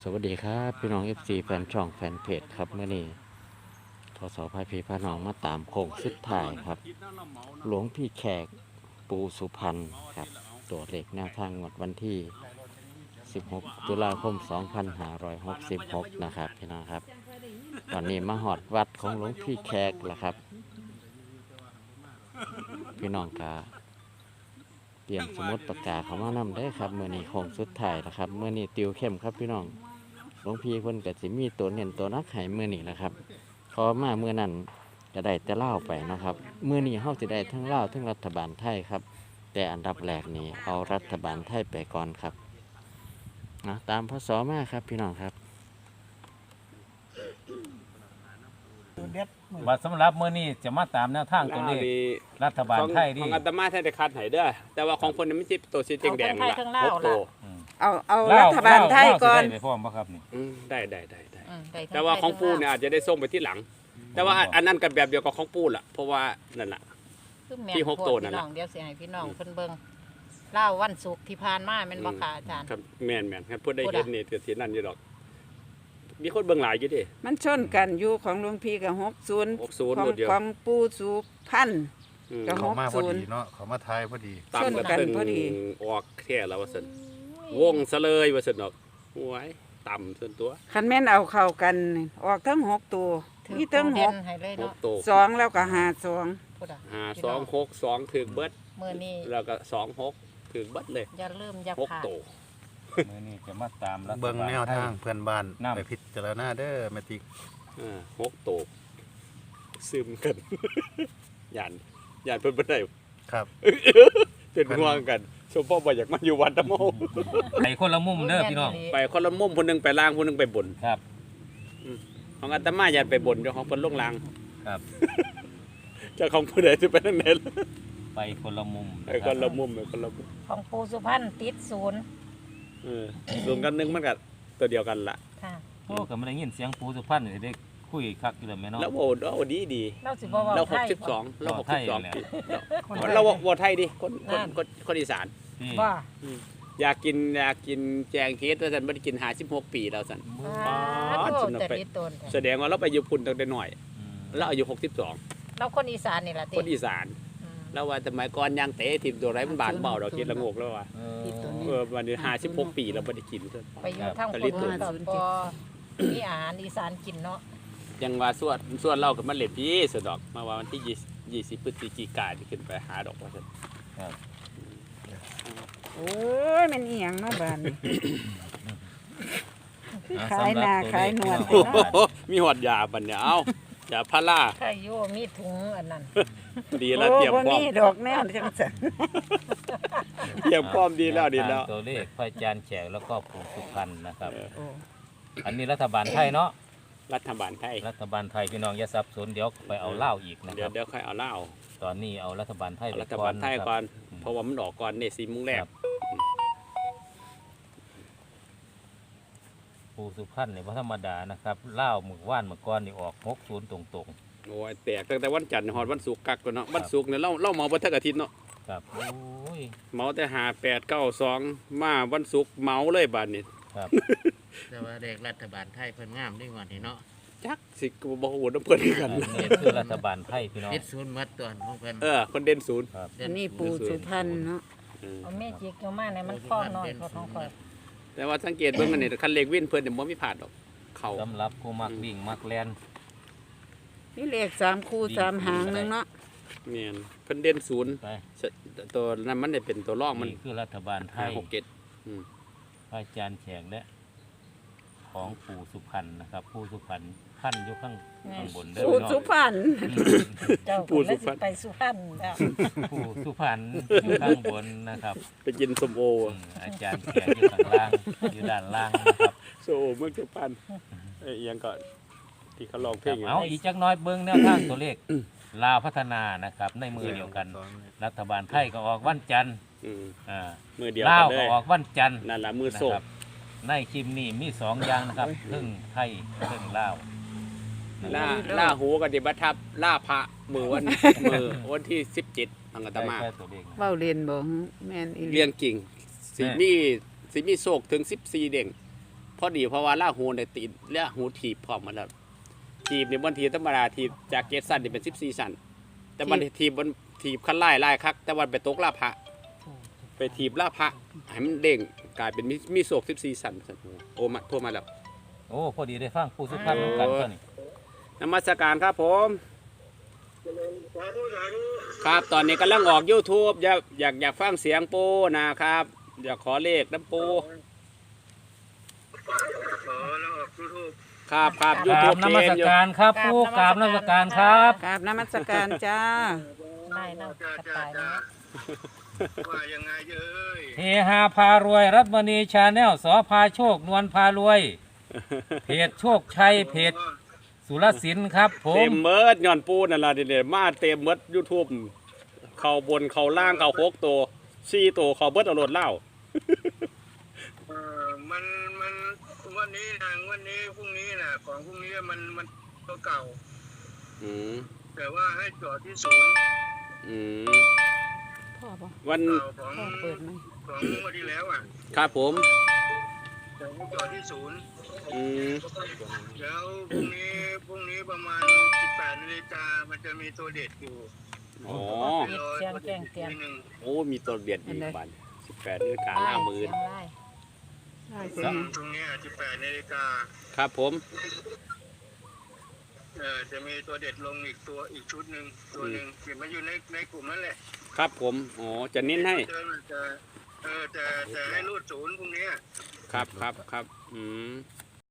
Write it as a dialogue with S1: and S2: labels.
S1: สวัสดีครับพี่น้อง FC แฟนช่องแฟนเพจครับเมื่อนี้ทศพายพีพาน้องมาตามโค้งสุดท้ายครับหลวงพี่แขกปูสุพรรณครับตัวเลขแนวทางงวดวันที่ 16 ตุลาคม 2566 นะครับพี่น้องครับวันนี้มาหอดวัดของหลวงพี่แขกแล้วครับพี่น้องกาเตรียมสมุดปากกาเขามานำได้ครับเมื่อนี้โค้งสุดท้ายแล้วครับเมื่อนี้ติวเข้มครับพี่น้องหลวงพี่เพิ่นก็สิมีตัวเน้นตัวนักให้มื้อนี้นะครับพอมามื้อนั้นจะได้แต่ลาวไปนะครับมื้อนี้เฮาสิได้ทั้งลาวทั้งรัฐบาลไทยครับแต่อันดับแรกนี้เอารัฐบาลไทยไปก่อนครับนะตามพศมาครับพี่น้องครับ
S2: บัดสำหรับมื้อนี้จะมาตามแนวทางตัวเลขรัฐบาลไทย
S3: ข
S2: ดิ
S3: องอาตมาไทยได้คัดให้เด้อแต่ว่าของคนนี้ไม่ใช่ตัวสีแดงๆ
S4: ของคนไทยข้างล่าง
S3: หกตัว
S4: เอารัฐบาลไทยก่อน
S2: ลาวสิได้ไปพร้อมบ่ครับนี่
S3: ได้
S4: ได้ทั้
S3: แต่ว่าของปู
S4: ไท
S3: เนี่ยอาจจะได้ส่งไปที่หลัง แต่ว่าอันนั้นกันแบบเดียวกับของปูล่ะเพราะว่านั่นแหละ
S4: คือแม่น
S3: ที่หก
S4: โพด
S3: ตัวนั่น
S4: พี่
S3: ล่ะ
S4: น้องเดี๋ยวสิให้พี่น้องเพิ่นเบิ่งเล่าวันศุกร์ที่ผ่านมาแม่นบ่ค่ะอาจารย์
S3: ครับแม่นครับพูดได้
S4: พูด
S3: เห็
S4: อะ
S3: นนี่เสียนั่นอยู่ดอก มีคนเบิ่งหลายอยู่ดิ
S5: มันชนกันอยู่ของหลวงพี่กับ60
S3: 60
S5: ของ
S3: หมดเดียว
S5: ของปู่สุพรรณ
S3: อืม
S5: ก็
S6: เขามาพอดีเนาะเขามาทายพอดี
S3: ตาม
S5: ชนกั
S3: กัน น
S5: พอดี
S3: ออกแค่แล้วว่าซั่นวงซะเลยว่าซั่นดอกโอ้ยต่ำส่วนตัว
S5: คันแม่นเอาเข้ากันนี่ออกทั้ง6ตัว
S4: ถือ
S5: มีทั้ง
S4: โปรเด่นให้เลย
S3: ห
S4: เนาะ
S3: กตัว
S5: 6 2แล้วก็52
S4: พูดอ่ะ
S3: 5262ถึกเบิด
S4: มื้อนี้
S3: แล้วก็26ถึกเบิดเลย
S4: อย่าลืมอย่า
S3: หก
S4: พลาด
S3: ตัว
S2: มื้อนี้จะมาตามรัฐ
S6: เบิ่ง
S2: บาล
S6: แนว
S2: ไทย
S6: ทางเพื่อนบ้าน
S2: นำ
S6: ไปพิจารณาเด้อแมติก
S3: 6ตัวซึมกัน ย่านเพิ่นบ่ได้
S6: ครับ
S3: เป็นห่วงกันสมพ่อบ่อยากมาอยู่วัดตะโม
S2: ไปคนละมุมเด้อพี่น้อง
S3: ไปคนละมุมคนหนึงไปล่างคนหนึงไปบน
S2: ครับ
S3: ของอาตมาอยากไปบนเจ้าของเพิ่นลงล่าง
S2: ครับ
S3: เจ้าของผู้ใดสิไปทางไหนล่ะ
S2: ไปคนละมุม
S3: ไปคนละมุมไปคนละมุม
S4: ของปูสุพรรณติดศูนย์
S3: รวมกันหนึงมันก็ตัวเดียวกันล่ะ
S4: ค่ะ
S2: โอ้ก็ไม่ได้ยินเสียงปูสุพรรณนี่ได้คุยคักอยู่แล้วแม่เนาะ
S3: แล้วโอ้ดี
S4: เราสิบ่เว้า
S3: เรา
S4: ไทย
S3: 62เรา
S2: ไทยแหละ
S3: 62เราบ่ไทยดิคนอีสาน
S2: ที่
S4: บ่
S3: อยากกินแจงเค้กว่าซั่นบ่ได้กิน56ปีแล้วซั่น
S4: อ่า
S3: อ๋อ
S4: โต
S3: สนุก
S4: แต่
S3: ไป
S4: ลิตน
S3: แสดงว่าเราไปอยู่พุ่นตั้งแต่น้อย
S2: อืม
S3: เราอายุ62
S4: เราคนอีสานนี่ล่ะติ
S3: คนอีสาน
S4: อืม
S3: แล้วว่าสมัยก่อนยางเตะทีมตัวไรมันบานเบาเรากินละงกแล้วว่า
S2: เออ
S3: วันนี้56 ปีเราไม่ได้กินเลย
S4: ไปอยู่ทาง
S3: ครับ
S4: คนอื่นก็บ่มีอาหารอีสานกินเนาะ
S3: ยังว่าส่วนเรากับมันเล็ดพี่สุดดอกมาว่าวันที่20พฤศจิกายนที่ขึ้นไปหาดอกว่าซั่น
S2: ครับ
S5: โอ้ยแม่นอีหยังเนาะบ้านนี่
S2: อ่ะ
S5: ขายหน้า
S2: สำรับ
S5: ขายหนวด
S2: ตัวเลข
S3: โอ้โหมีหอดยาบัดเนี่ยเอายาพารา
S4: ใครอยู่มีถุงอันนั้น
S3: ดีแล้ว
S5: โอ้
S3: เตรียม
S5: บ่
S3: พร้อม
S5: มีดอกแนวจังซั่น
S3: เตรียมพร้อมดีแล้วดีแล้ว
S2: ทางตัวเลขพระอาจารย์แขกแล้วก็ปู่สุพรรณนะครับ
S5: โอ้
S2: อันนี้รัฐบาลไทยเนาะ
S3: รัฐบาลไทย
S2: รัฐบาลไทยพี่น้องอย่าสับสนเดี๋ยวไปเอาเหล้าอีกนะค
S3: เดี๋ย
S2: รั
S3: ว
S2: บ
S3: เดี๋ยวค่อยเอาเหล้า
S2: ตอนนี้เอารัฐบาลไทยไป
S3: รัฐบาลไทยก่อน
S2: ครับ
S3: เพราะว่ามันออกก่อนเนี่ย4โมงแรก
S2: ครับ ปูสุพรรณนี่บ่ธรรมดานะครับเหล้าหมึกว่านหมึกก้อนนี่ออก60ตรง
S3: โอ้ยแตกตั้งแต่วันจันทร์หอดวันศุกร์กักก่อนเนาะวันศุกร์เนี่ยเราเมาบ่ทักอาทิตย์เนาะ
S2: ๆครับโอ้ย
S3: เมาแต่5892มาวันศุกร์เมาเลยบัดนี้
S2: ครับ
S1: แต่ว่าเด็กรัฐบาลไทยเพิ่นงามด้วยวันนี้เนาะ
S3: จักสิก็บ่ฮู้นำเพิ่นคือ
S2: อั
S3: กัน น
S2: นี้คือรัฐบาลไทยพี่น้อง
S1: ติดศูนย์หมัดตัวของเพิ่น
S3: คนเด่นศูนย์
S2: ครับ
S5: อันนี้ปู่สุพรรณเนาะ
S4: เอาเมจิกเอามาเนี่ยมันคล้องน้อยกว่าของข่อย
S3: แต่ว่าสังเกตเบิ่งอันนี้คันเลขวินเพิ่นเนี่ยบ่มีพลาดดอกเขา
S2: สำหรับผู้มักวิ่งมักแล่น
S5: มีเลข3คู่3หางหนึงเนาะ
S3: แม่นเพิ่นเด่นศูนย์
S2: ไป
S3: ตัวนั้นมันได้เป็นตัวรองมัน
S2: นี่คือรัฐบาลไทย
S3: 5 6 7
S2: พระอาจารย์แขกและของปู่สุพรรณนะครับปู่สุพรรณพันอยู่ข้างบนเด้อ
S5: ปู่
S2: พี่น้อง
S5: สุพรรณ
S4: เจ้าปู่สุพรรณไปสุพรรณแล้ว
S2: ปู่สุพรรณอยู่ข้างบนนะครับ
S3: ไปกินส้มโอ
S2: อาจารย์แขกอยู่ข้างล่างอยู่ด้านล่างนะครับ
S3: โซโอเมืองสุพรรณอีหยังก็ที่เขาร้องเพลง
S2: เอาอีกจักหน้อยเบิ้งแนวทางตัวเลขลาวพัฒนานะครับ ในมือเดียวกัน รัฐบาลไทยก็ออกวันจันทร์
S3: อืม
S2: อ่า
S3: มือเดียว
S2: ลา
S3: กั
S2: วน
S3: เล
S2: ก็
S3: ย
S2: ออกวันจันทร์
S3: นั่นล่ะมือ
S2: นะ
S3: โซ
S2: ครับในคลิปนี้มี2อย่างนะครับครึ่งไทยครึ่งลาว
S3: ล่าหูกับดิบัทับล่าพระมือวันที่17อังกต
S2: ได้
S3: มา
S2: แค่ตัวเลขนะ
S5: เว้าเล่นบ่แม่นอีหลี
S3: เรียงกิ่งสิมีโศกถึง14เด้งพอดีเพราะว่าล่าหูในติดล่าหูถีบพร้อมมาแล้วถีบในบนถีบธรรมดาถีบจาก7สั้นนี่เป็น14สั้นแต่มันถีบบนถีบขั้นไล่คักแต่วันไปตกลาภะไปถีบลาภะให้มันเด้งกลายเป็นมีโศก14สั้นโอ้มาโทรมาแล้ว
S2: โอ้พอดีได้ฟังผู้สุภาพเหมือนกันตัวนี้
S3: นมัสการครับผมครับตอนนี้กำลังออก YouTube อยากฟังเสียงปูนะครับ อยากขอเลขน้ำปูครับ
S2: กราบ
S3: YouTube
S2: นมัสการครับผู้กราบนมัสการครับ
S5: กราบนมัสการจ้า
S4: ได้เล่ากระต่ายเนาะ
S6: ว่ายังไงเอ้ย
S2: เฮฮาพารวยรัตมณีชาแนลสอพาโชคนวลพารวย เพจโชคชัยเพจสุรศิลป์ครับผ
S3: เต็
S2: ม
S3: มเมิดย้อนปูนั่นล่ะเดี๋ยวมาเต็มเมิด YouTube เข้าบนเข้าล่างเข้า6ตัว4ตัวเข้าเบิดเอาโหลดเล่า
S7: มันวันนี้นะวันนี้พรุ่งนี้นะของพรุ่งนี้มันตัวเก่า
S3: อืม
S7: แต่ว่าให้จอดที่ศูนย์
S3: อืม
S5: พ่อบ่
S3: วัน
S7: เก่าของ
S5: พ่อเปิดไหม
S7: ของงวันที่แล้วอ่ะ
S3: ครับผม
S7: แต่ให้จอดที่ศูนย์
S3: อืม
S7: แล้วพรุ่งนี้ประมาณ 18 นาฬิกามันจะมีตัวเด็ดอยู่
S3: อ๋อ
S4: ปิดเสียงแจ้งเตือน
S7: ทีหนึ่ง
S3: โอ้มีตัวเบียดอีกบัน18 นาฬิกาหน้ามือ
S4: เสียงไล่
S5: ได้สิ
S7: ตรงเนี้ย18 นาฬิกา
S3: ครับผม
S7: จะมีตัวเด็ดลงอีกชุดหนึ่งตัวหนึ่งเก็บมาอยู่ในกลุ่มนั่นแหละ
S3: ครับผมอ๋อจะเน้นให้
S7: จะให้รูดศูนย์พรุ่งนี้
S3: ครับอืม